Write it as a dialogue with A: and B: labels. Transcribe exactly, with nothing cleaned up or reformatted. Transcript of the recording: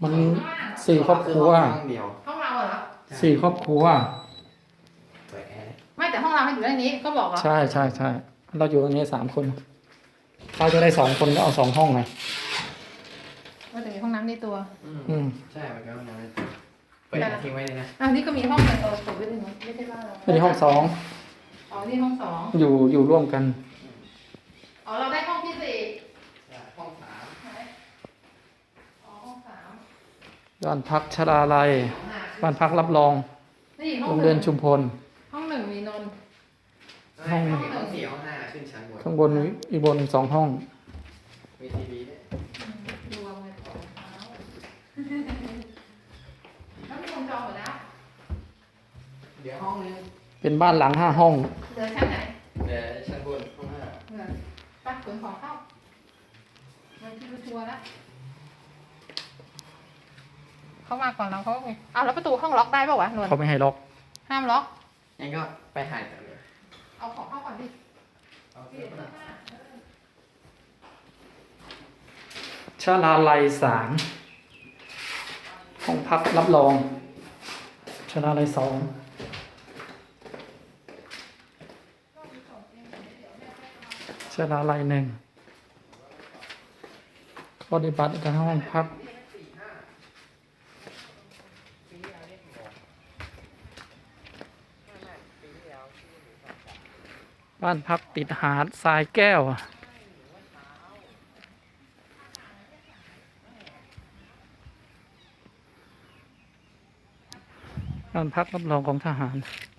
A: มันสี่ครอบครัว
B: ห้องเดียว
C: ห้องเราเหรอ
A: สี่ครอบครัว
B: เปิดแอร์
C: ไม่แต่ห้องเราให้อยู่ในนี้ก็บอกเหรอ
A: ใช่ใช่ใช่เราอยู่ตรงนี้สามคนเราจะได้สองคนก็เอาสองห้องไง
C: ว่าจะมีห้องน้ำในตัว
B: อืม
A: อืม
B: ใช่มันก็ห้องน้ำในตัวเปิดแอร์ทิ้งไว้เลยนะ
C: อ่ะนี่ก็มีห้องในตัวผมไม่ได้ไม่ใช่บ้านเรา
A: อันนี้ห้องสอง
C: อ๋อนี่ห้องสอง
A: อยู่อยู่ร่วมกัน
C: อ๋อเราได้ห้องที่สี่
B: ห้องสาม
C: ไหนอ๋อห้องสาม
A: บ้านพักชราลัยบ้านพักรับรอง
C: นี่ห้อง
A: โรง
C: ห
A: เรีย
C: นึ่
A: น
C: ง
A: ชุมพล
C: ห้องหนึ่งมีนนท์
B: ห้องห้องสี่ห้องห้าขึ้นชั้นบน
A: ข้างบนอีกบนสองห้อง
B: มีทีวีด้วย
C: รวมเลยสองเท้าแล้วมีคนจองหมดแล้ว
B: เดี๋ยวห้องนึง
A: เป็นบ้านหลังห้าห้อง
C: เหลือชั้นไหน
B: เดี๋ยวชั้นบนห้องห้า
C: เหลือปักขนของเข้ามันที่ทัวร์แล้วเขามาก่อนเราเขาก็อ้าวแล้วประตูห้องล็อกได้ป่าวะนวล
A: เขาไม่ให้ล็อก
C: ห้ามล็อก
B: งั้นก็ไปหายกันเลย
C: เอาของเข้าก่อนดิ
B: เอา
C: เป
B: เสื้
C: ลี่
B: อย
C: น
B: ผ้า
C: เสื้อผ้าเออ
A: ชราลัยสามห้องพักรับรองชราลัยสองชราลัยหนึ่งปฏิบัติการห้องพักบ้านพักติดหาดทรายแก้ว บ้านพักรับรองของทหาร